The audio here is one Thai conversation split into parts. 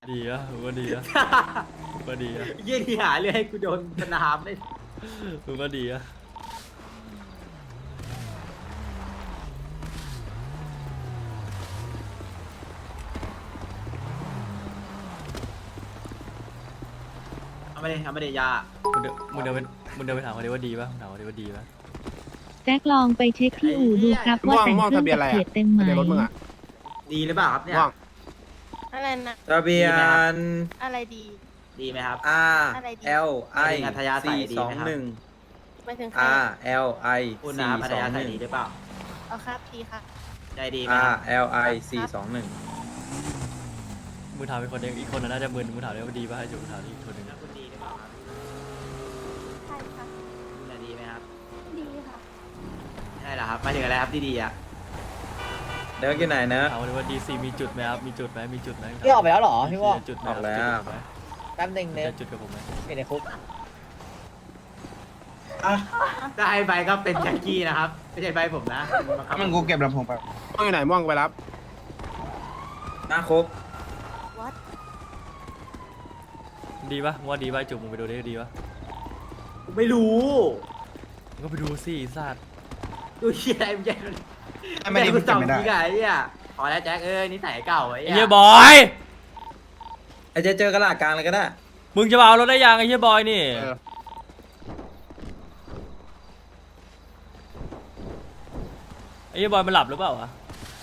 ดีอะมึงก็ดีอะมึงก็ดีอะยี่ที่หาเรื่องให้กูโดนสนามเลยมึงก็ดีอะเอาไม่ได้ยามึงเดินไปถามเขาดิว่าดีป่ะถามเขาดิว่าดีป่ะแจ็คลองไปเช็คที่อู่ดูครับว่าแต่งเครื่องกับเกียรเต็มไหมทะเบียนรถมึงอะดีหรือเปล่าครับเนี่ยว่างอะไรนะทะเบียนอะไรดีดีไหมครับ R อะไรดี L I อัธยาศัยดี 4 ไหมครับ 2 1 ไปถึงใคร R L I คุณนะครับอัธยาศัยดี 4 หรือเปล่าเอาครับดีค่ะใจดีไหม 2 1 ค R รับ L I 4 2 1 มึงถามอีกคนเองอีกคนน่ะน่าจะมึนมึงถามเลยว่าดีป่ะให้จุมึงถามอีกคนหนึ่งแล้วคุณดีหรือเปล่าครับใช่ค่ะคุณน่ะดีไหมครับดีค่ะใช่เหรอครับหมายถึงอะไรครับดีๆอ่ะเดินกี่ไหนนะถามเขาดิว่าดีซีมีจุดไหมครับมีจุดไหมมีจุดไหมพี่ออกไปแล้วเหรอพี่วอกจุดไหมออกแล้วจุดไหมแป๊บนึงเนี่ยจะจุดกับผมไหมอยู่ในคุกถ้าให้ใบก็เป็นแจ็คกี้นะครับไม่ใช่ใบผมนะบังคับมันกูเก็บลำโพงไปม่วงอยู่ไหนม่วงไปรับหน้าคุก what ดีป่ะมึงว่าดีป่ะจุมึงไปดูดิดีป่ะผมไม่รู้มึงก็ไปดูสิไอ้สัตว์ดูเชี่ยอะไรไม่ใช่ไม่ได้กูมันส่เก็อบ งไม่ได้ทีไงไอ้เนี่ยพอแล้วแจ็คนิสัยเก่าไอ้ไอ้เหี้เหี้ยยบอยไอ้เจเจอกระดาษกลางเลยก็ได้มึงจะมาเอารถได้ยังไอ้เหี้ยบอยนี่เออไอ้เหี้ยบอยมันหลับหรือเปล่าวะ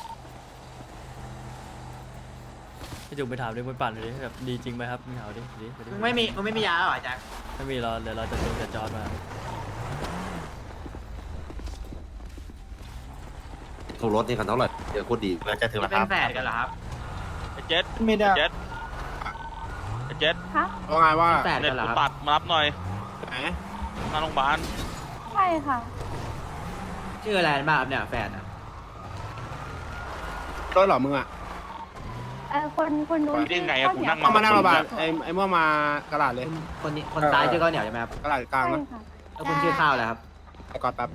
ไอ้จุไปถามดิมึงปั่นเลยดิแบบดีจริงไหมครับมึงถามดิดิมึงไม่มียาเหรอแจ็คไม่มีเราเดี๋ยวเราจะเดินกับจอร์ดมาโทรรถนี่คันเท่าไหร่เดี๋ยวโคตรดีแล้วจะถึงจะแล้วคเป็นรับแฝดกันเหรอครับไอ้เจ็ดไม่ได้เจ็ดไอ้เจ็ดว่าไงว่าเป็นแฝดเน็กัตนเหรอกูครับตัดมารับหน่อยไหนหน้าโรงพยาบาลใช่ค่ะชื่ออะไรบ้างครับเนี่ยแฝดอ่ะรถเหรอมึงอะคนนู้นได้ไงอะกูนั่งเข้ามาหน้าโรงพยาบาลไอ้ม่วงมากระดาษเลยคนนี้คนซ้ายชื่อข้าวเหนียวใช่ไหมครับกระดาษกลางนะแล้วคุณชื่อข้าวอะไรครับไอ้กอดแป๊บ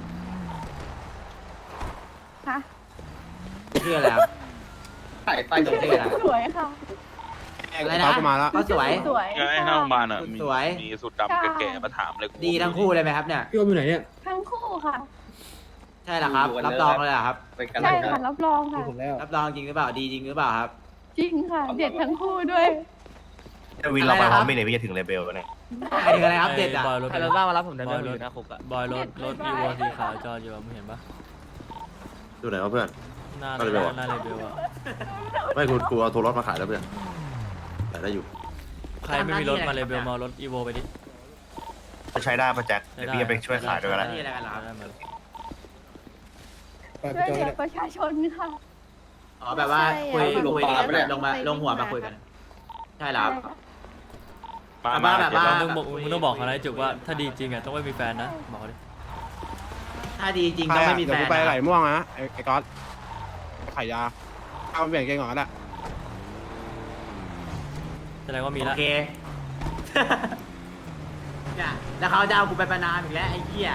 ค่ะชื่ออะไรครับไปชื่ออะไรสวยค่ะไอ้กอดก็มาแล้วก็สวยสวยไอ้หน้าโรงพยาบาลอ่ะมีสวยมีสุดดำแก่ๆมาถามเลยกูดีทั้งคู่เลยไหมครับเนี่ยพี่ว่าอยู่ไหนเนี่ยทั้งคู่ค่ะใช่เหรอครับ รับรองเลยเหรอครับใช่ค่ะรับรองค่ะผมแล้วรับรองจริงหรือเปล่า ดีจริงหรือเปล่าครับจริงค่ะ เด็ดทั้งคู่ด้วยวินเราไปพร้อมไม่เลยพี่จะถึงเลเบลแล้วเนี่ยหมายถึงอะไรครับเด็ดอ่ะบอยรถใครรถบ้างมารับผมได้ไหมบอยผมรอถยู่หน้าคุกอะบอยรถอีโวสีขาวจอดอยู่อะมึงเห็นปะดูไหนวะเพื่อนหน้าก็เลยบอกหน้าเลเบลอะไม่กูเอาโทรรถมาขายแล้วเพื่อนขายได้อยู่ใครไม่มีรถมาเลเบลมาเอารถอีโวไปดิจะใช้ได้ปะแจ็คเดี๋ยวพี่จะไปช่วยขายด้วยกันนะนี่อะไรกันเหรอครับได้หมดช่วยเหลือประชาชนค่ะอ๋อแบบว่าคุยใช่คุย ลงหัวมาคุยกัน ใช่แล้วมาแบบเจ็ดว่าแล้วมึงต้องบอกเขานะจุกว่าถ้าดีจริงอะต้องไม่มีแฟนนะบอกเขาดิถ้าดีจริงต้องไม่มีเดี๋แฟยวน กูไปไหลม่วงนะไอ้กอดขายยาเอาเปลี่ยนเกงก่อนก็ได้แสดงว่ามีโอแล้วเค เนี่ยแล้วเขาจะเอากูไปประนามอีกแล้วไอ้เหี้ย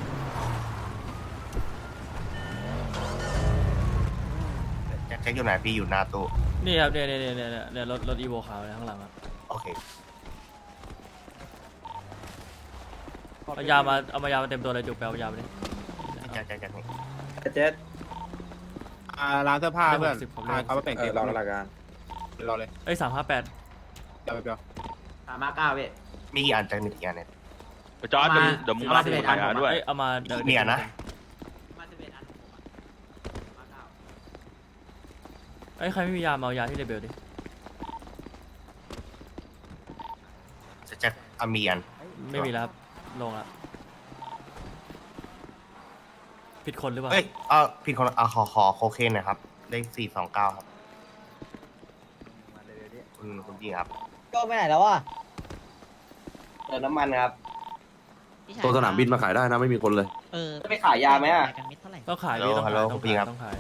แจ็คอยู่ไหนพี่อยู่หน้าตู้นี่ครับเนี่ยรถอีโวขาวเนี่ยข้างหลังอะโอเคเอายามาเต็มตัวเลยจุกไปเอายาไปดิแจ็คนี่ไอ้เจร้านเสื้อผ้าเพื่อนผมเขามาเปลี่ยนเอเกอง รอกระดาษกลางรอเลยเอ้ย358 เดี๋ยวเดี๋ยว 359เว้ยมีกี่อันแจ็คมีกี่อันเนี่ยจอร์ดเดี๋ยวมึงมารับกูขายยาด้วยเอ้ยเอามาเดี๋ยวเนี่ยนะมา11อัน359 เอ้ยใครไม่มียามาเอายาที่เลเบลดิแจ็คเอามีอันไม่มีแล้วครับลงละผิดคนหรือเปล่าเอ้ยผิดคนขอโคเคนหนะครับเลข429ครับคุณพี่ครับก็ไปไหนแล้ววะเติมน้ำมันครับตัวสนามบินมาขายได้นะไม่มีคนเลยจะไปขายยาไหมอ่ะต้องขายดิต้องขายต้องขายต้องขาย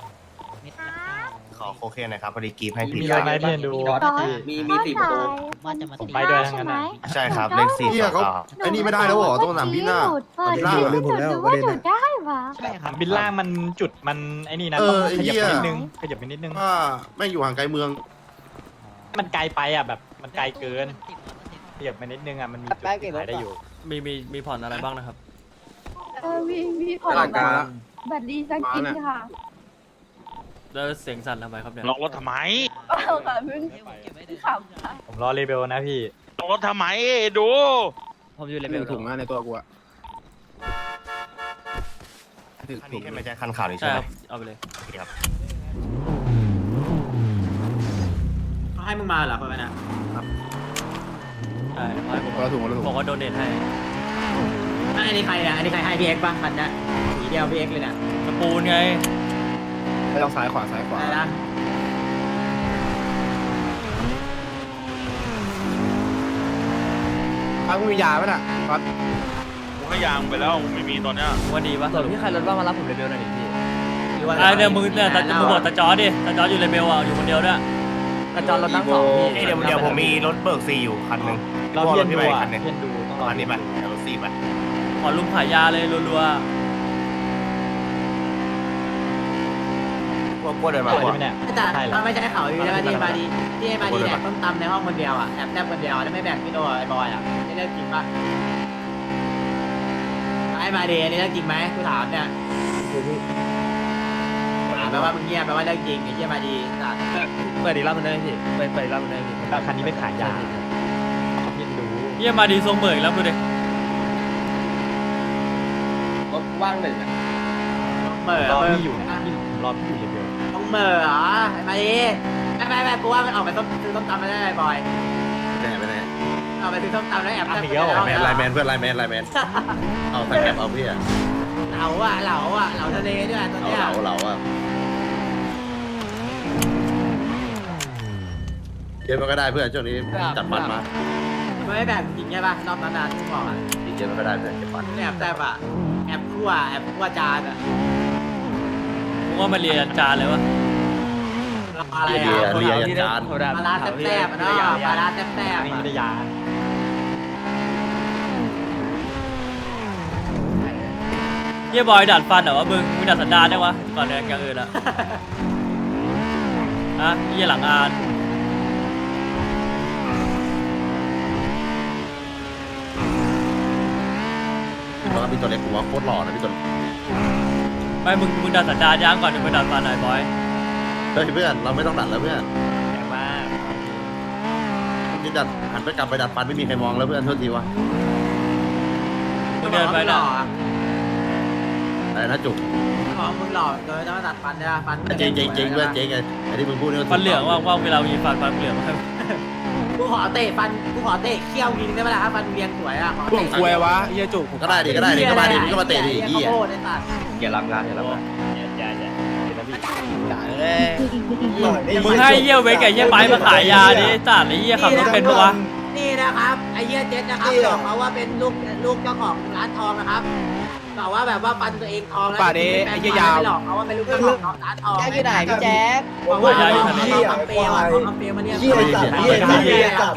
ขอโคเคนหนะครับพอดีกรีฟให้ผิดมียาอะไรเพื่อนดูมีสี่ประตูผมไปด้วยทั้งนั้นนะใช่ครับเลข429 ไอ้นี่ไม่ได้แล้วเหรอต้องสนามบินน่ะบินล่างลืมผมแล้วประเด็นน่ะใช่ครับบินล่างมันจุดมันไอ้นี่นะเอต้องอไอ้ขยับเหี้ยไปนิดนึงขยับไปนิดนึงว่าแม่งอยู่ห่างไกลเมืองมันไกลไปอ่ะแบบมันไกลเกินเทียบมานิดนึงอ่ะมันมีจุดขายได้อยู่มีผ่อนอะไรบ้างนะครับมีผ่อนตลาดกลางบัตรดีสักกินค่ะแล้วเสียงสั่นทำไมครับเนี่ยล็อกรถทำไมเอาค่ะเพิ่งขับค่ะผมรอเลเวลนะพี่ล็อกรถทำไมดูผมอยู่เลหเวนึ่ลงถุงอะในตัวกูอะถึงอันถุนี้งใช่ไหมใช่คันขาวนี่ใช่ใช่ไหคมรับเอาไปเลยโอเคครับเขาให้มึงมาเหรอคนนั้นอ่ะใช่ให้ผมคนละถุงคนละถุงบอกว่าโดเนทให้อันนี้ใครอ่ะอันนี้ใครให้พี่เอ็กซ์ป่ะคันเนี้ยสีเดียวพี่เอ็กซ์เลยน่ะกระปูนไงไม่ต้องซ้ายขวาซ้ายขวาอะไรนะอ้าวมึงมียาป่ะน่ะก๊อตกูให้ยางไปแล้วไม่มีตอนเนี้ยว่าดีปะส่วนพี่ใครรถบ้างมารับผมเลเวลหน่อยดิพี่หรือว่าไอ้เนี่ยมึงเนี่ยมึงบอกตาจอดิตาจออยู่เลเบลอ่ะอยู่คนเดียวด้วยกระจรรถนั่งสองพี่เดี๋ยวผมมีรถเบิกซีอยู่คันหนึ่งเราเพี้ยนดูไปอ่ะคันหนึ่งเพี้ยนดูต้องรอคันนี้ไปเดี๋ยวรถซีไปขอลุมขายยาเลยรัวกลัวเดินมาอะไรกลัวใช่ไหมเนี่ยแต่ใช่เหรอถ้าไม่ใช่เขาอยู่แล้วดีมาดีที่มาดีแดกต้มตำในห้องคนเดียวอ่ะแอบแนบคนเดียวแล้วไม่แบ่งพี่โตไอ้บอยอ่ะนี่เรื่องจริงป่ะไอ้มาดีนี่เรื่องจริงไหมกูถามเนี่ยถามแปลว่ามึงเงียบแปลว่าเรื่องจริงไอ้เหี้ยมาดีสัตว์เปิดอีกรอบมันได้พี่เปิดอีกรอบมันได้พี่แต่คันนี้ไม่ขายยาเพี้ยนดูๆเยี่ยมาดีทรงเบิกแล้วดูดิรถว่างหนึ่งอะเหม่อรอมึงพี่อยู่นะพี่รอพี่อยู่เลเวลต้องเหม่อเหรอไอ้มาดีไม่กูว่ามันออกไปซื้อต้มตำไม่ได้บอยไปไหนเอาไปซื้อต้มตำแล้วแอบแนบไลน์แมนเพื่อนไลน์แมนเอาใส่แคปเอาพี่อะเหลาอ่ะเหลาทะเลด้วยตัวเนี้ยเหลาอะเยอะมันก็ได้เพื่อนช่วงนี้จัดฟันมาไม่แบ่งจริงใช่ป่ะรอบนั้นที่บอกอ่ะเยอะมันก็ได้เพื่อนเก็บฟันแอบแซ่บอ่ะแอบคั่วจานอ่ะมึงว่ามาเรียนจานเลยวะอะไรเรียอ่ะเรียยันจานปลาร้าแซ่บๆอ่ะเนาะปลาร้าแซ่บนี่ๆไม่ได้ยาเยี่ยบอยดัดฟันเหรอวะมึงดัดสันดานได้วะก่อนเนี่ยอย่างอื่นอะฮะเยี่ยหลังอานแล้วก็พี่ตัวเล็กผมว่าโคตรหล่อนะพี่ตัวไม่มึงดัดสันดานย่างก่อนถึงไปดัดฟันหน่อยบอยเฮ้ยเพื่อนเราไม่ต้องดัดแล้วเพื่อนแรงมากนี่ดัดหันไปกลับไปดัดฟันไม่มีใครมองแล้วเพื่อนโทษทีวะมึงเดินไปนะอะไรนะจุกบอกมึงหล่อเกินจะมาตัดฟันได้ฟันเจ๊งเพื่อนเจ๊งไงไอ้ที่มึงพูดนี่ฟันเหลืองว่างๆเวลามีฟันเหลืองมาให้กูขอเตะเขี้ยวยิงได้ไหมล่ะฟันเรียงสวยอ่ะพวกควยวะเฮียจุกก็ได้ดิก็มาดิมึงก็มาเตะดิยี่โคตรไอ้สัตว์อย่ารับงานอย่ารับงานอย่าเดี๋ยวนะพี่มึงให้เยี่ยวเวกกับเยี่ยไปมาขายยาดิไอ้สัตว์ไอ้เยี่ยขับรถเป็นปะวะนี่นะครับไอ้เหี้ยเจ็ดนะครับบอกเขาว่าเป็นลูกเจ้าของร้านทองนะครับบอกว่าแบบว่าฟันตัวเองทองแล้วหลอกเขาว่าเป็นลูกเจ้าของร้านทองแจ๊คอยู่ไหนพี่แจ๊คบอกว่าเอาคำเปรี้ยวอ่ะคำเปรี้ยวมาเนี่ยไม่ได้เสียแล้ว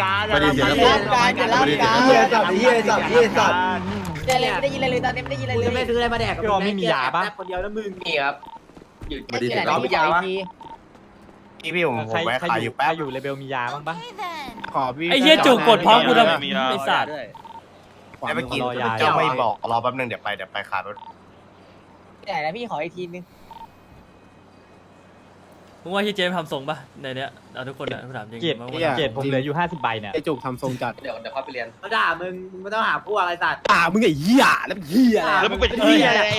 ไม่ได้ยินอะไรเลยตอนนี้ไม่ได้ยินอะไรกูเลจะไม่ยซื้ออะไรมาแดกกับพี่ว่าไม่มียาปะคนเดียวแล้วมึงนี่ครับ อยู่ไม่ได้เสียเราไม่ยาวะพี่ผมแวะขายอยู่แป๊บอยู่เลเวลมียาบ้างปะขอพี่ไอ้เยี่ยจุกกดพร้อมกูทำมียาไอ้สัตว์แล้วเมื่อกี้เจ้าไม่บอกรอแป๊บนึงเดี๋ยวไปขายรถไหนนะพี่ขออีกทีนึงมึงว่าที่เจมทำทรงปะในเนี้ยเอาทุกคนอะถามจริงเกียรติผมเหลืออยู่50ใบเนี่ยไอจุกทำทรงจัดเดี๋ยวเขาไปเรียนเขาด่ามึงไม่ต้องหาพวกอะไรสัตว์มึงไอ้เหี้ยแล้วเหี้ยแล้วมึงเป็นเหี้ยอะไร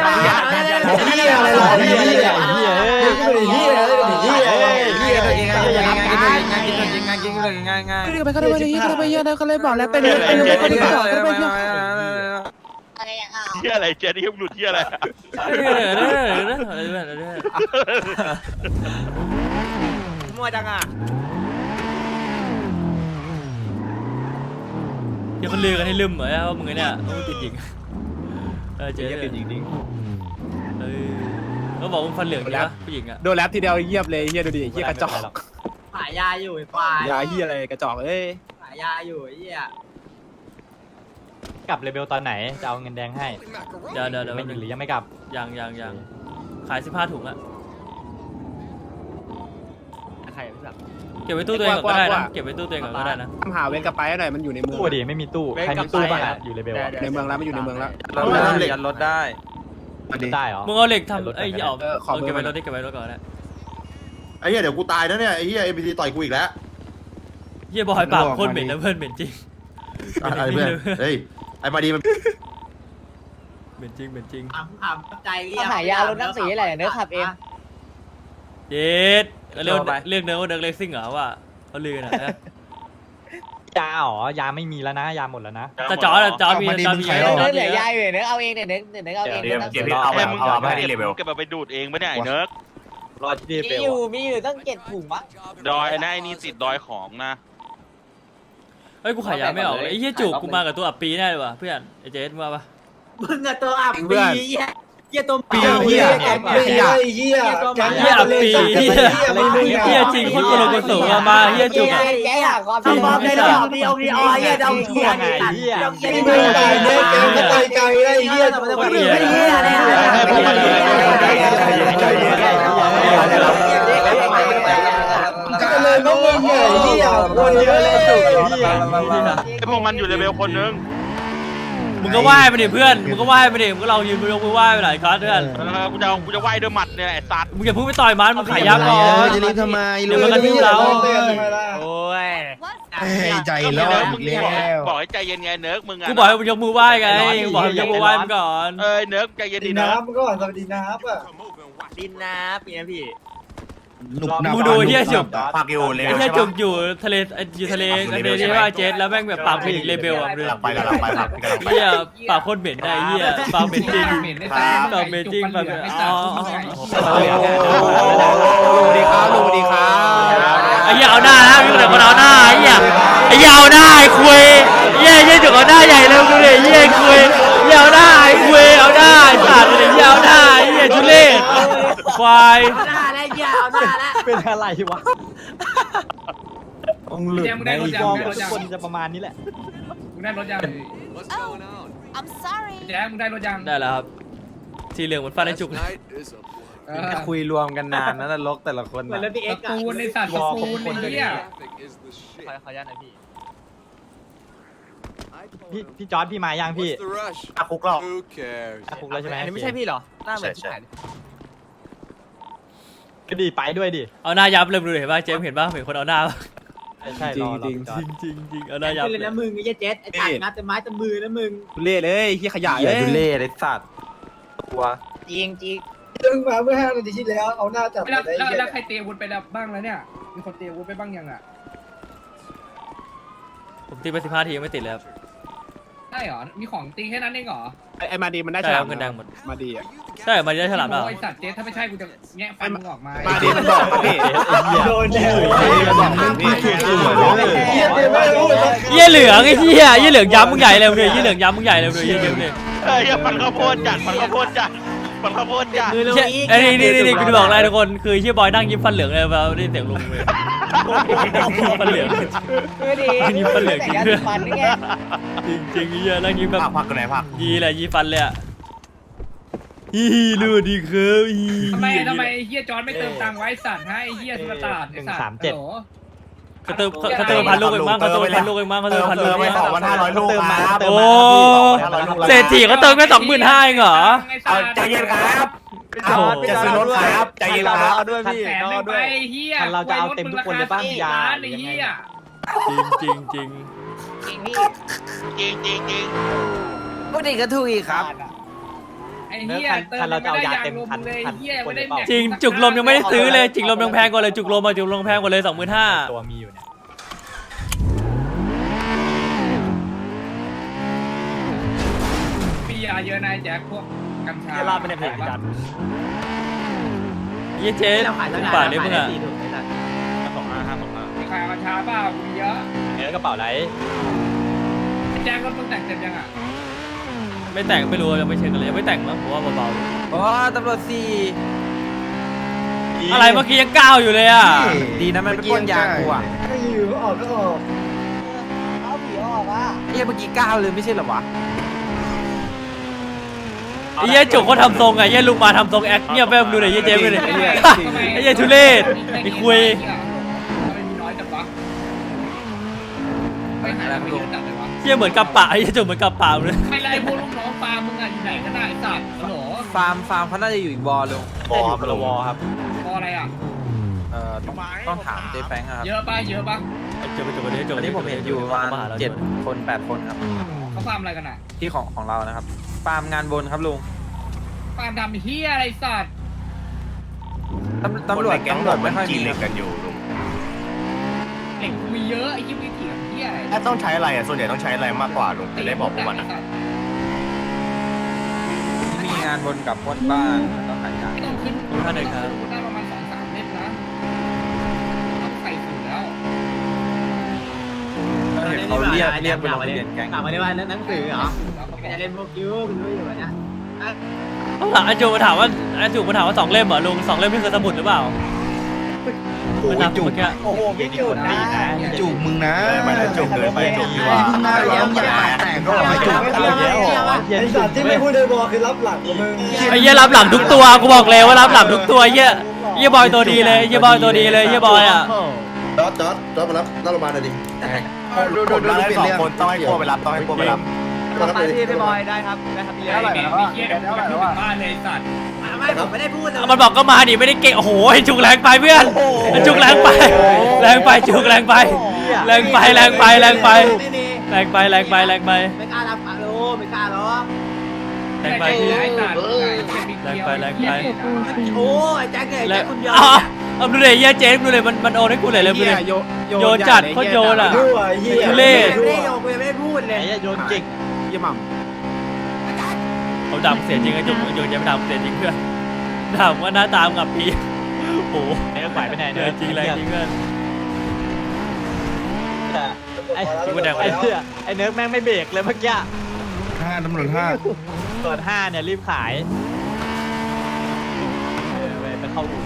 เหี้ยอะไรเจ๊ที่หลุดเหี้ยอะไรมั่วจังอ่ะเดี๋ยวคนลือกันให้ลืมเหรอว่ามึงเนี่ยมึงติดหญิงเจ๊ติดหญิงดิ้งก็บอกมึงฟันเหลืองใช่ปะผู้หญิงอะโดนแรปทีเดียวเงียบเลยเฮียดูดิเฮียกระจอกขายยาอยู่ไอ้ควายยาเฮียอะไรกระจอกเอ้ยขายยาอยู่ไอ้เหี้ยกลับเลเวลตอนไหนจะเอาเงินแดงให้เดี๋ยวไม่หรือยังไม่กลับยังขาย15 ถุงอะใครพี่สักแกก็บไว้ตู้ตัวเองก่อนก็ได้นะเก็บไว้ตู้ตัวเองก่อนก็ได้นะทำหาเวรกับไปหน่อยมันอยู่ในเมืองตู้ดิไม่มีตู้ใครมีตู้บ้างอะอยู่เลเวลอะในเมืองแล้วมันอยู่ในเมืองแล้วยันรถได้ได้เหรอมึงเอาเหล็กทำไอ้เหี้ยขอเก็บเบอไว้ร์รถดิเก็บไว้รถก่อนนะไอ้เหี้ยเดี๋ยวกูตายนะเนี่ยไอ้เหี้ย NPC ต่อยกูอีกแล้วเหี้ยบอยปากโคตรเหม็นนะเพื่อนเหม็นจริงอะไรเพื่อนเฮ้ยไอ้มาดีมันเหม็นจริงเหม็นจริงถามใจเรียกหายารถนั่งสีอะไรเนื้อขับเองเย็ดเรียกเนื้อว่าเนื้อเล็กซิ่งเหรอว่าเขาลือนะยาอ๋อยาไม่มีแล้วนะยาหมดแล้วนะแต่จอมีเหลือยายอยู่เนื้อเอาเองเนื้อเอาเองเดี๋ยวเอาไปมึงเอาไปเก็ที่เลเวลบไปดูดเองไม่ได้ไอ้เนิร์กรอที่เลเวลมีอยู่ต้อง7 ถุงมั้งดอยนะไอ้นี่ติดดอยของนะเฮ้ยกูขายยาไม่ออกเลยไอ้เหี้ยจุกกูมากับตัวอับปีแน่เลยว่ะเพื่อนไอ้เจสมาปะมึงอะตัวอับปีเหี้ยตัวปีเหี้ยเหี้ยตัวเหี้ยอับปีเหี้ยจริงคนโกลโกโสมาเหี้ยจุกอะแกหาความสมองในระดับดีองดีออยเหี้ยดองเหี้ยไอ้เหี้ยเหี้ยไม่ได้เนี่ยแกก็ไปไกลได้เหี้ยไม่ได้เหี้ยก็เลยน้องมึงเหี้ยคนเยอะเลยจุกไอ้พวกมันอยู่เลเวลคนนึงมึงก็ไหว้ไปดิเพื่อนมึงก็ไหว้ไปดิมึงก็เรายืนยกมือไหว้ไปหลายครั้งเพื่อนกูจะไหวด้วยหมัดเนี่ยไอ้สัตว์มึงอย่าพุ่งไปต่อยมันมึงขายยาก่อนจะรีบทำไมเดี๋ยวมันกระทืบเราโอ้ยใจก็ร้อนมึงบอกให้ใจเย็นไงเนิร์กมึงอะกูบอกให้มึงยกมือไหว้ไงกูบอกให้มึงยกมือไหว้มึงก่อนเนิร์กใจเย็นดีเนิร์กก็สวัสดีน้ำอ่ะดินน้ำเป็นไงพี่มึงดูเฮียจุกพักอยู่เลเวไอ้ลเฮียใช่จุปะกอยู่ทะเลอยู่ทะเลที่ว่าเจสแล้วแม่งแบบปากเป็นอีกเลเวลอ่ะเพื่อนกำลังไปครับพี่กำลังไปเฮียปากโคตรเหม็นได้เฮียปากเหม็นจริงปากเหม็นจริงปากเหม็นอ๋อสวัสดีครับลุงสวัสดีครับไอ้เฮียเอาหน้านะมีคนเอาหน้าไอ้เฮียเอาหน้าไอ้คุยเฮียจุกเอาหน้าใหญ่เลยดูดิเฮียคุยเฮียเอาหน้าไอ้คุยเอาหน้าไอ้สัตว์เฮียเอาหน้าไอ้เฮียทุเรศควายหน้าแล้วเหี้ยเอาหน้าแล้วเป็นอะไรวะองหลุดในฟอร์มทุกคนจะประมาณนี้แหละมึงได้รถยัง I'm sorry แจ๊มึงได้รถยังได้แล้วครับสีเหลืองเหมือนฟันไอ้จุกคุยรวมกันนานนะนรกแต่ละคนเหมือนรถพี่เอ็กซ์ปูนในสัตว์ปูนไอ้เหี้ยขออนุญาตหน่อยพี่จอร์ดพี่มายังพี่อาคุกเราอาคุกแล้วใช่ไหมอันนี้ไม่ใช่พี่เหรอหน้าเหมือนใช่ก็ดีไปด้วยดิเอาหน้ายับเลยดูเห็นป่ะเจมเห็นป่ะเห็นคนเอาหน้าป่ะใช่รอจริงเอาหน้ายับขึ้นเลยนะมึงไอ้เจ๊ไอ้ตัดงัดแต่ไม้แต่มือนะมึงเล่เลยเฮียขยะเหี้เลย ยดูเล่ไอ้สัตว์ตัวจริงตึงมาเมื่อ5 นาทีที่แล้วเอาหน้าจับแล้วใครเตะวุ้นไปแล้วบ้างแล้วเนี่ยมีคนเตะวุ้นไปบ้างยังอ่ะผมตีไป15 ทียังไม่ติดเลยครับได้เหรอมีของตีแค่นั้นเองเหรอไอ้มาดีมันได้ใช่ฉคลารัมบเงินแดงหมดมาดีอ่ะใช่มันได้ฉลามแล้วไอ้สัตว์เจ๊ถ้าไม่ใช่กูจะแงะฟันมึงออกมามาดีมันบอกมาพี่โดนแน่มันบอกมึงพี่เหี้ยเจ๊ไม่รู้เลยเยี่ยเหลืองไอ้เหี้ยเหลืองย้ำมึงใหญ่เลยเยี่ยเหลืองย้ำมึงใหญ่เลยเยี่ยเยอะเลยมันข้าวโพดจัดมันข้าวโพดจัดไอ้นี่กูจะบอกอะไรทุกคนคือเฮียบอยนั่งยิ้มฟันเหลืองเลยแบบได้เสียงลงเลยฟันเหลือง ยิ้มฟันเหลืองจริงด้วยฟันนี่ไงจริงเฮียนั่งยิ้มแบบพักกันไหนพักยีแหละยีฟันเลยอ่ะฮีรู้ดีครับฮีทำไมไอ้เหี้ยจอนไม่เติมตังค์ไว้สัตว์ให้ไอ้เหี้ยสุลต่านไอ้สัตว์เขาเติมพันลูกเองมั้งเขาเติมพันลูกเองมั้งเขาเติมพันลูกไป2,500 ลูกครับโอ้เศรษฐีเขาเติมแค่25,000เองเหรอใจเย็นครับจะซื้อรถครับใจเย็นครับเอาด้วยพี่เอาด้วยไอ้เหี้ยเราจะเอาเต็มทุกคนเลยบ้างยาไอ้เหี้ยจริงจริงพี่จริงพูดอีกก็ถูกอีกครับไอ้เหี้ยเติมไม่ได้ยางลมเลยเหี้ยไม่ได้แม็กจริงจุกลมยังไม่ได้ซื้อเลยจุกลมยังแพงกว่าเลยจุกลมแพงกว่าเลย 25,000 ตัวมีอยู่เนี่ยมียาเยอะนายแจ็คพวกกัญชาลาไปในเพจกันยี่เจ๊ป่านี้มึงอ่ะมีใครเอากัญชาเปล่ามีเยอะกระเป๋าไรแจ็ครถมึงแต่งเสร็จยังอ่ะไม่แต่งไม่รู้ยังไม่เช็คกันเลยยังไม่แต่งมั้งผมว่าเบาโอ้ตำรวจสี่ๆอะไรเมื่อกี้ยังก้าวอยู่เลยอ่ะดีนะมันเป็นป้นยากูอ่ะก็อยู่ออกก็ออกเอาผีออกอ่ะเหี้ยเมื่อกี้ก้าวเลยไม่ใช่เหรอวะไอ้เหี้ยจุกเขาทำทรงไงไอ้เหี้ยลุงมาทำทรงแอคเงียบไปดูหน่อยยี่เจ๊ไปเลยไอ้เหี้ยทุเรศไอ้คุยทำไมมีน้อยจังหายไปเยอะจัดเลยวะเหี้ยเหมือนกับปะไอ้เหี้ยจุกเหมือนกับปะเลยไม่ไล่พวกลูกน้องปลามึงอ่ะอยู่ไหนก็ได้สัตว์ฮัลโหลฟาร์มเขาน่าจะอยู่อีกวอลลุงบอมลงครับพออะไรอ่ะต้องถามเจ๊แฟงครับเยอะป่ะเยอะป่ะไอ้จุกวันนี้จุกวันนี้ผมเห็นอยู่ประมาณ7 คน 8 คนครับเขาฟาร์มอะไรกันอ่ะที่ของเรานะครับฟาร์มงานบนครับลุงฟาร์มดำเฮียอะไรสัตว์ตำรวจไม่ค่อยกิมีนเหล็กกันอยู่ลุงเหล็กมีเยอะไอ้ที่มีเถียงเฮียอะไรถ้าต้องใช้อะไรอ่ะส่วนใหญ่ต้องใช้อะไรมากกว่าลุงจะได้บอกพวกมันอ่ะมีงานบนกับปล้นบ้านแล้วก็ขายยาไม่ต้องขึ้นท่านหนึ่งครับได้ประมาณ2-3 เล่มนะต้องใส่สูตรแล้วเห็นเขาเรียกไปลงทะเบียนแก๊งถามมาได้ว่าหนังสือเหรอจะเล่นพวกยูคุณรู้อยู่เนี่ยข้างหลังไอ้จุกมาถามว่าสองเล่มเหรอลุง2 เล่มนี่คือสมุดหรือเปล่ามันนับเมื่อกี้โอ้โหไม่จุดนะจูบมึงนะไม่ได้จุกเกินไปจุกดีกว่ามึงน่าร้องอย่าปากแตกก็ไม่จูบไม่เอาแล้วไอ้สัตว์ที่ไม่พูดในบอคือรับหลังมึงไอ้เหี้ยรับหลังทุกตัวกูบอกเลยว่ารับหลังทุกตัวไอ้เหี้ยบอยตัวดีเลยไอ้เหี้ยบอยตัวดีเลยไอ้เหี้ยบอยอ่ะจอดมารับโรงพยาบาลหน่อยดิผมรับได้2 คนต้องให้พวกไปรับต้องให้พวกไปรับรับไปที่พี่บอยได้ครับได้ครับพี่ไอ้เด็กเฮียเดี๋ยวกูไปขึ้นบ้านเลยสัตว์ไม่ผมไม่ได้พูดเลยมันบอกก็มาดิไม่ได้เก่งโอ้โหไอ้จุกแรงไปเพื่อนไอ้จุกแรงไปจุกแรงไปแรงไปไม่กล้ารับอาโลไม่กล้าหรอกแรงไปไอ้สัตว์โอ้ยแจ็คเนี่ยแจ็คคุณยอเอาดูเลยเหี้ยเจ๊ดูเลยมันโอนให้กูเลยดูเลยโยนจัดโคตรโยนอ่ะ ทุเรศไม่ได้โยกไม่ได้พูดเลยโยนเก่งเยี่ยมเขาดำเสียจริงไอ้จุกโยนยังดำเสียจริงเพื่อนดำว่าหน้าตามกับพี่โอ้โหไอ้ก็ไปไหนเดินจริงเลยจริงเพื่อนไอ้ไอ้เนิร์กแม่งไม่เบรกเลยเมื่อกี้ 5ตำรวจ5 เปิด5เนี่ยรีบขายไปเข้าอู่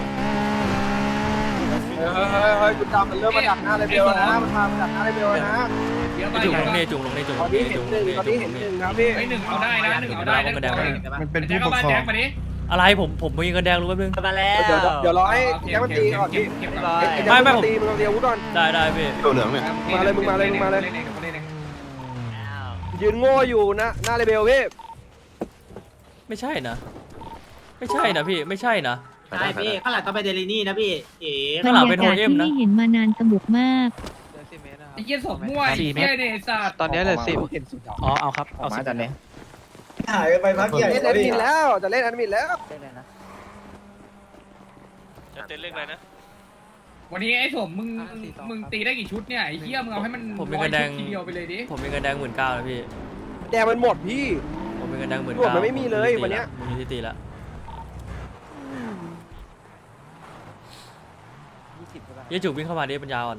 เฮ้ยคุณจำมันเริ่มมาดักหน้าเลยเบลนะมันมาดักหน้าเลยเบลนะเดี๋ยวไปจุกลงนี่จุกลงนี่จุกตอนนี้เห็นหนึ่งครับพี่ไอ้หนึ่งเอาได้นะ1เอาได้นะมันเป็นแจ็ผู้คปเอากบ้านครอแจ็งคมาดิอะไรผมมีเงินแดงรู้แป๊บนึงมาแล้วเดี๋ยวรอให้แจ็คมันตีก่อนพี่เก็บไม่ตีมึงเอาเดียววุ้ก่อนได้พี่ตัวเหลืองเนี่ยยืนโง่อยู่นะหน้าเลเบลพี่ไม่ใช่นะพี่ไม่ใช่นะใช่พี่ข้างหลังต้องไปเดลินี่นะพี่เอ๋ข้างหลังเป็นโฮเอ็มนะที่เห็นมานานสนุกมากไอ้เหี้ยศพมั่วไอ้เหี้ยเนี่ยสัตว์ตอนนี้เหลือ10อ๋อเอาครับเอามาตอนนี้หายไปพักใหญ่เล่นแอดมินแล้วจะเล่นแอดมินแล้วจะเต้นเรื่องอะไรนะวันนี้ไอ้สมมึงตีได้กี่ชุดเนี่ยไอ้เหี้ยมึงเอาให้มันทีเดียวไปเลยดิผมมีเงินแดง19,000นะพี่แดงมันหมดพี่ผมมีเงินแดงรวมมันไม่มีเลยวันเนี้ยผมมีที่ตีละยี่จุกวิ่งเข้ามาดิปัญญาอ่อน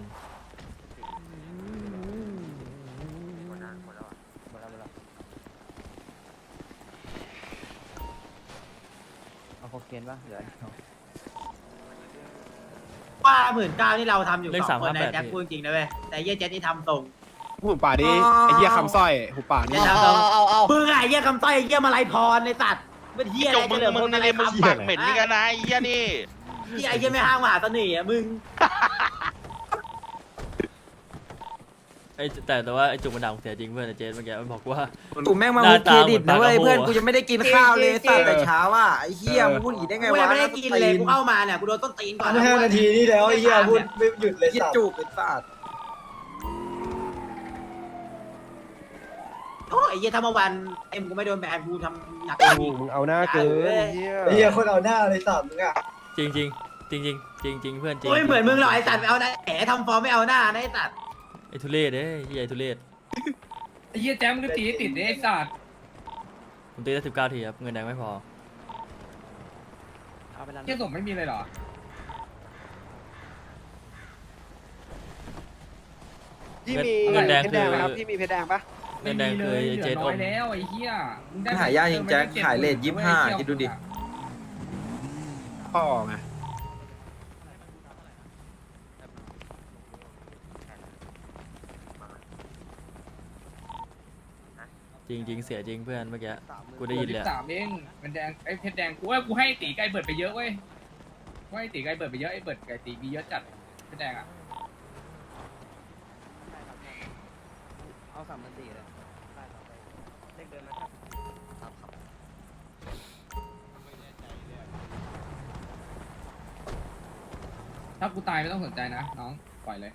เอาโคเคนป่ะเดี๋ยวว่า19,000นี่เราทำอยู่2 คนนะแจ็คพูดจริงนะเว้ยแต่เยี่ยเจ็คนี่ทำตรงหูป่าดิไอ้เหี้ยคำสร้อยหูป่านี่มึงไงเยี่ยคำต้อยเยี่ยมาลัยพรในสัตว์เป็นเยี่ยจอะไรกมึจะงเหลือมึคงนนี่อะไรเลยมึงคำปากเหม็นนี่กันนะไอ้เหี้ยนี่ที่ไอ้เยี่ยไม่ห้างมหาเสน่ห์มึงแต่ว่าไอ้จุกมันด่าผมเสียจริงเพื่อนเจนเมื่อกี้มันบอกว่ากูแม่งมามุกเครดิตนะเว้ยเพื่อนกูยังไม่ได้กินข้าวเลยตั้งแต่เช้าอ่ะไอ้เหี้ยมึงพูดอย่างนี้ได้ไงกูวะยังไม่ได้กินเลยกูเข้ามาเนี่ยกูโดนต้นตีนก่อน 5 นาทีนี่แล้วไอ้เหี้ยพูดไม่หยุดเลยคิดสัตว์จูบเป็นสัตว์โอ้ไอ้เยี่ยถ้าเมื่อวันเอ็มกูไม่โดนแบนกูทำหนักมึงเอาหน้าเกินไอ้เหี้ยคนเอาหน้าเลยสัตว์มึงอ่ะจริงเพื่อนจริงโอ้ยเหมือนมึงหรอกไอ้สัตว์ไม่เอาหน้าแหมทำฟอร์มไม่เอาหน้านะไอ้สัตว์ไอ้ทุเรศเอ้ยไอ้ทุเรศไอ้เหี้ยแจ๊มึงก็ตีติดไอ้สัตว์ผมตีได้19 ทีครับเงินแดงไม่พอเหี้ยสมไม่มีเลยเหรอพี่มีเงินแดงเพชรคืแดองไหมครับพี่มีเพชรแดงปะเงินแดงคือเหเจลืนออน้อมยแล้วไอ้เหี้ยหายากจริงแจ็คขายเลท25คิดดูดิพ่อไงจริงเสียจริงเพื่อนเมื่อกี้กูได้ยินเลย 3เองมันแดงไอ้เพชรแดงกูว่ากูให้ตีไก่เบิดไปเยอะเว้ยกูให้ตีไก่เบิดไปเยอะไอ้เบิดไก่ตีมีเยอะจัดเพชรแดงอ่ะ 3,400เลยเลขเดิมนะครับถ้ากูตายไม่ต้องสนใจนะน้องปล่อยเลย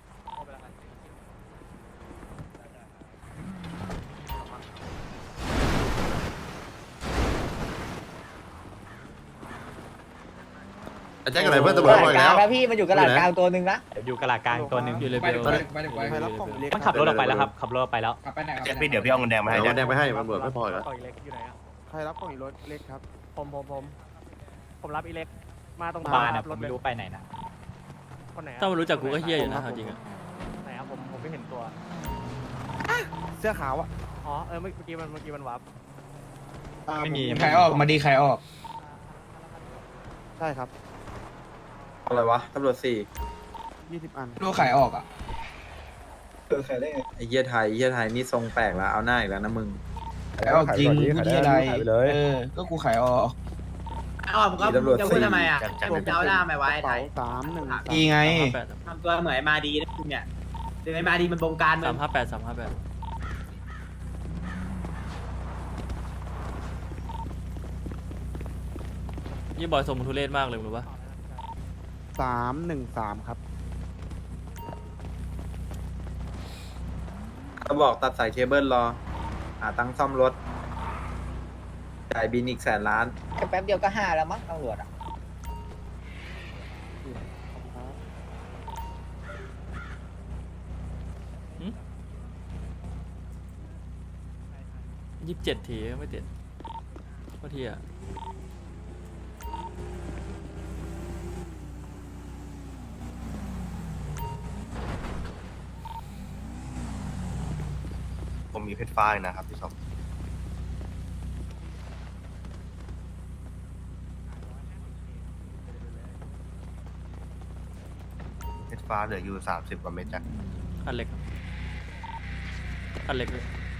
แจ้งอะไรเพื่อนตำรวจบอกอีกแล้วแล้วพี่มันอยู่กระดาษกลางตัวหนึ่งนะอยู่กระลากลางตัวหนึ่งอยู่เลไปเวเดี๋ลยวไปเดี๋ยวไปเดี๋ยวไปมันขับรถออกไปแล้วครับขับรถออกไปแล้วกลับไปไหนแจ็คพี่เดี๋ยวพี่เอาเงินแดงมาให้เอาแจ็คแดงไปให้ตำรวจไม่พออีกแล้วกล่องอีเล็กอยู่ไหนอ่ะใครรับกล่องอีรถเล็กครับผมรับอีเล็กมาตรงบ้านนะผมไม่รู้ไปไหนนะคนไหนถ้ามันรู้จักกูก็เฮี้ยอยู่นะเอาจริงอะไหนครับผมไม่เห็นตัวเสื้อขาวอ่ะอ๋อเมื่อกี้มันวับไม่มีใครออกมาดีใครออกใช่ครับอะไรวะตำรวจ 20 อันลูกใครออกอ่ะไอ้เหี้ยไทยนี่ทรงแปลกแล้วเอาหน้าอีกแล้วนะมึงขายออกจริงพูดที่อะไรก็กูขายออกอ้อมก็จะพูดทำไมอ่ะผมจะเอาหน้าไม่ไว้ไทย 313 อีไงทำตัวเหมือนมาดีนะคุณเนี่ยเดี๋ยวมาดีมันบงการมึง 358ยี่บอยส่งมึงทุเรศมากเลยมึงรู้ปะ 313 ครับเขาบอกตัดสายเคเบิลรอ หาตังค์ซ่อมรถ จ่ายบินอีก100,000,000,000 แป๊บเดียวก็5แล้วมั้งตำรวจอ่ะ 27 ทีไม่ติดก็ทีอะผมมีเพชรฟ้าอีกนะครับพี่สมเพชรฟ้าเหลืออยู่30 กว่าเม็ดจ้ะอันเล็กเลย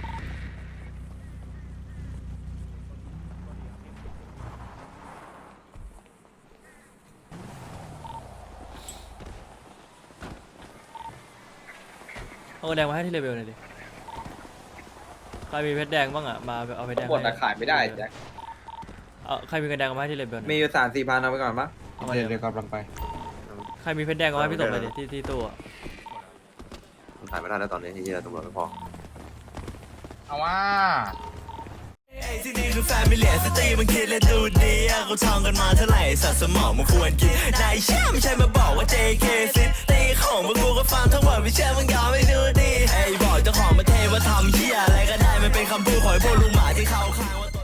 เอาเงินแดงมาให้ที่เลเวลหน่อยดิ ใครมีเพชรแดงบ้างอ่ะ มาเอาเพชรแดงหมดอะขายไม่ได้แจ็คเอาใครมีเงินแดงเอามาให้ที่เลเวลหน่อยมีอยู่3-4 พันเอาไปก่อนปะเอามาเดี๋ยวกำลังไปใครมีเพชรแดงเอามาให้พี่สมเลยดิที่ตู้อะมันถ่ายไม่ได้แล้วตอนนี้ที่เหี้ยตำรวจไม่พอเอาว่าที่นี่คือแฟมิเลียสตรีมันคิดและดูดีเขาท่องกันมาเท่าไหร่สัตว์สมองมันควรกินนายเชื่อไม่ใช่มาบอกว่า JK ซิตีของพวกกูก็ฟังทั้งหมดไม่เชื่อมึงยอมไม่ดูดีไอ้บอกเจ้าของประเทศว่าทำเหี้ยอะไรก็ได้มันเป็นคำพูดของพวกลุงหมาที่เขาข้างว่า